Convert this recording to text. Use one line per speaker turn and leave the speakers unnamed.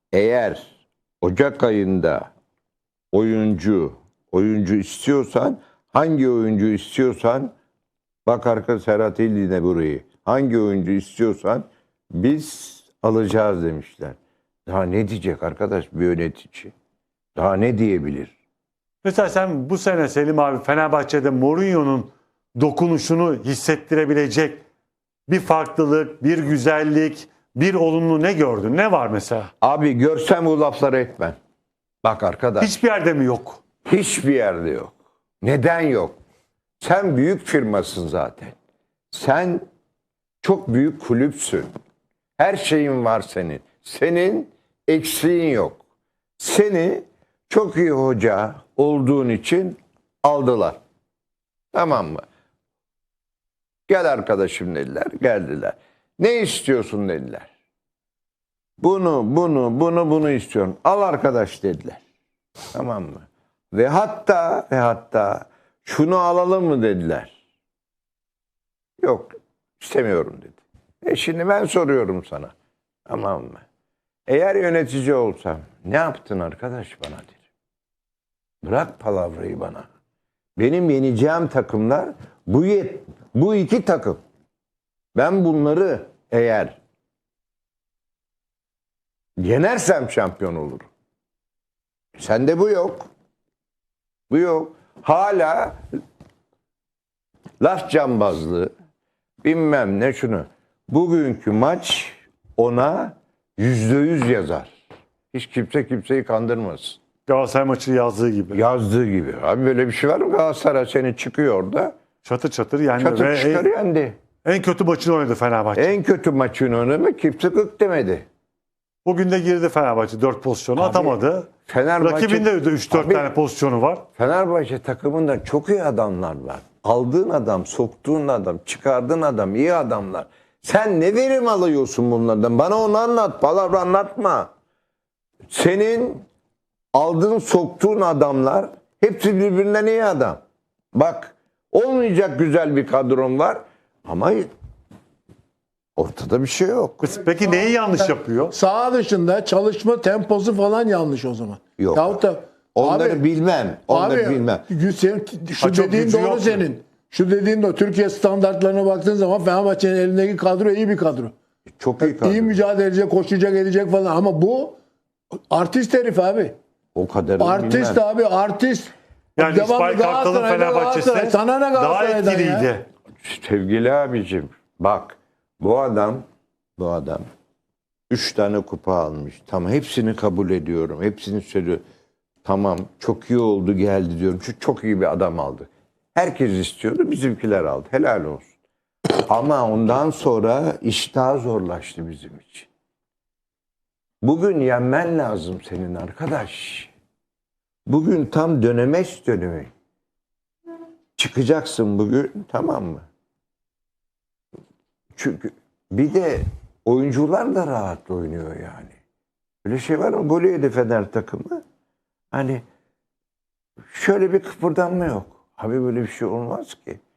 Eğer Ocak ayında oyuncu istiyorsan, hangi oyuncu istiyorsan, bak arka Serhat İldi'ne burayı, hangi oyuncu istiyorsan biz alacağız demişler. Daha ne diyecek arkadaş bir yönetici? Daha ne diyebilir?
Mesela sen bu sene Selim abi Fenerbahçe'de Mourinho'nun dokunuşunu hissettirebilecek bir farklılık, bir güzellik, bir olumlu ne gördün? Ne var mesela?
Abi görsem bu lafları etmem. Bak arkadaş.
Hiçbir yerde mi yok?
Hiçbir yerde yok. Neden yok? Sen büyük firmasın zaten. Sen çok büyük kulüpsün. Her şeyin var senin. Senin eksiğin yok. Seni çok iyi hoca olduğun için aldılar. Tamam mı? Gel arkadaşım dediler. Geldiler. Ne istiyorsun dediler. Bunu istiyorum. Al arkadaş dediler. Tamam mı? Ve hatta şunu alalım mı dediler. Yok istemiyorum dedi. Şimdi ben soruyorum sana. Tamam mı? Eğer yönetici olsam ne yaptın arkadaş bana derim. Bırak palavrayı bana. Benim yeneceğim takımlar bu iki takım. Ben bunları eğer yenersem şampiyon olurum. Sende bu yok. Bu yok. Hala laf cambazlığı, bilmem ne şunu. Bugünkü maç ona %100 yazar. Hiç kimse kimseyi kandırmasın.
Galatasaray maçı yazdığı gibi.
Yazdığı gibi. Abi böyle bir şey var mı? Galatasaray seni çıkıyor orada.
Çatır çatır yendi.
Çatır çıkar yendi.
En kötü maçını oynadı Fenerbahçe.
En kötü maçını oynadı kimse gık demedi.
Bugün de girdi Fenerbahçe 4 pozisyonu atamadı. Rakibinde de 3-4 tane pozisyonu var.
Fenerbahçe takımında çok iyi adamlar var. Aldığın adam, soktuğun adam, çıkardığın adam iyi adamlar. Sen ne verim alıyorsun bunlardan? Bana onu anlat. Palavra anlatma. Senin aldığın, soktuğun adamlar hepsi birbirinden iyi adam. Bak olmayacak güzel bir kadron var ama ortada bir şey yok.
Peki neyi yanlış yapıyor?
Saha dışında çalışma temposu falan yanlış o zaman.
Yok.
Yahut da
Onları bilmem. Onları
abi,
bilmem.
Şu
çok
dediğin
gücü
doğru
yok
senin. Şu dediğin de Türkiye standartlarına baktığın zaman Fenerbahçe'nin elindeki kadro iyi bir kadro.
Çok iyi kadro.
İyi mücadele edecek, koşacak, edecek falan ama bu artist herif abi.
O kadar
Artist
bilmem.
abi, artist.
Yani
Devamlı
İsmail Kartal'ın
Galatasaray,
Fenerbahçe'si
sana ne
daha
Galatasaray'dan ya?
etkiliydi.
Sevgili abicim bak bu adam 3 tane kupa almış. Tamam hepsini kabul ediyorum. Hepsini söylüyorum. Tamam çok iyi oldu geldi diyorum. Şu çok iyi bir adam aldı. Herkes istiyordu bizimkiler aldı. Helal olsun. Ama ondan sonra iş daha zorlaştı bizim için. Bugün yenmen lazım senin arkadaş. Bugün tam dönemeç dönemi. Çıkacaksın bugün tamam mı? Çünkü bir de oyuncular da rahat oynuyor yani. Öyle şey var mı? Gol yedi Fener takımı. Hani şöyle bir kıpırdanma yok. Abi böyle bir şey olmaz ki.